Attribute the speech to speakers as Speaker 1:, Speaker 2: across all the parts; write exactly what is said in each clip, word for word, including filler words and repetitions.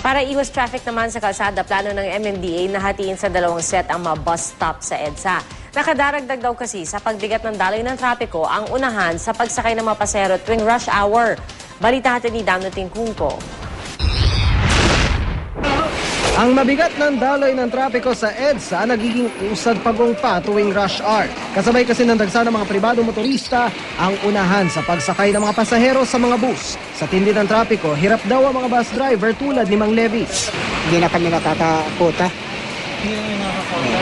Speaker 1: Para iwas traffic naman sa kalsada, plano ng M M D A na hatiin sa dalawang set ang mga bus stop sa EDSA. Nakadaragdag daw kasi sa pagbigat ng daloy ng trapiko ang unahan sa pagsakay ng mga pasahero tuwing rush hour. Balita natin ni Damno Tingkungko.
Speaker 2: Ang mabigat ng daloy ng trapiko sa EDSA nagiging usad pagong pa tuwing rush hour. Kasabay kasi ng dagsa ng mga pribadong motorista ang unahan sa pagsakay ng mga pasahero sa mga bus. Sa tindi ng trapiko, hirap daw ang mga bus driver tulad ni Mang Levi.
Speaker 3: Hindi na kami nakakakota.
Speaker 4: Hindi na nakakakota.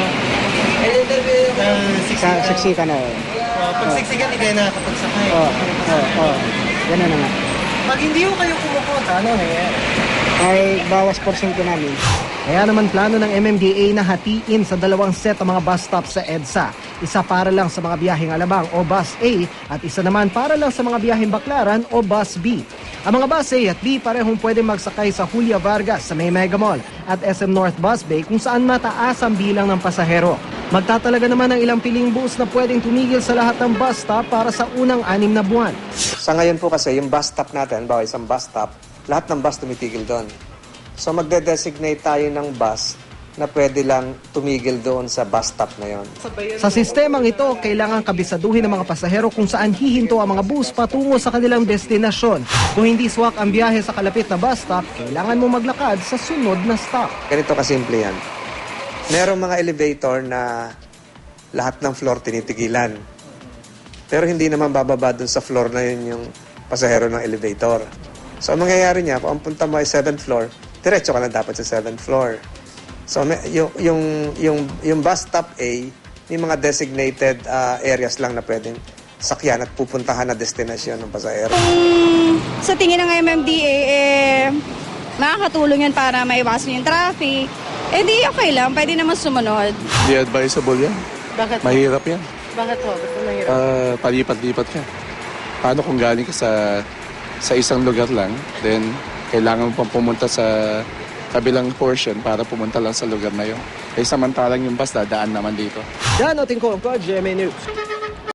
Speaker 3: Sa siksikan na.
Speaker 4: Uh, pag siksikan, hindi kayo nakakapagsakay.
Speaker 3: Oo, oo, oo. Ganun na nga.
Speaker 4: Pag hindi ko kayo kumukota, ano nangyayari?
Speaker 3: Ay bawas porsyento namin.
Speaker 2: Kaya naman plano ng M M D A na hatiin sa dalawang set ang mga bus stop sa EDSA. Isa para lang sa mga biyaheng Alabang o Bus A at isa naman para lang sa mga biyaheng Baclaran o Bus B. Ang mga Bus A at B parehong pwedeng magsakay sa Julia Vargas sa may Mega Mall at S M North Bus Bay kung saan mataas ang bilang ng pasahero. Magtatalaga naman ng ilang piling bus na pwedeng tumigil sa lahat ng bus stop para sa unang anim na buwan.
Speaker 5: Sa ngayon po kasi yung bus stop natin, bawa isang bus stop, lahat ng bus tumitigil doon. So magde-designate tayo ng bus na pwede lang tumigil doon sa bus stop na yon.
Speaker 2: Sa sistemang ito, kailangan kabisaduhin ng mga pasahero kung saan hihinto ang mga bus patungo sa kanilang destinasyon. Kung hindi swak ang biyahe sa kalapit na bus stop, kailangan mo maglakad sa sunod na stop.
Speaker 5: Ganito kasimple yan. Merong mga elevator na lahat ng floor tinitigilan. Pero hindi naman bababa doon sa floor na yun yung pasahero ng elevator. So, ang mangyayari niya, kung ang punta mo ay seventh floor, diretso ka na dapat sa seventh floor. So, may, yung, yung, yung, yung bus stop A, may mga designated uh, areas lang na pwedeng sakyan at pupuntahan na destinasyon ng pasahero.
Speaker 6: Kung sa tingin ng M M D A, eh, makakatulong yan para maiwasan yung traffic, eh di okay lang, pwede naman sumunod.
Speaker 7: Di advisable yan.
Speaker 1: Bakit?
Speaker 7: Mahirap yan.
Speaker 1: Bakit ho? Ba't mahirap?
Speaker 7: Uh, palipat-lipat ka. Paano kung galing ka sa sa isang lugar lang, then kailangan mo pang pumunta sa kabilang portion para pumunta lang sa lugar na yun. Eh samantalang yung bus dadaan naman dito.
Speaker 2: Damno Tingkungko, G M A News.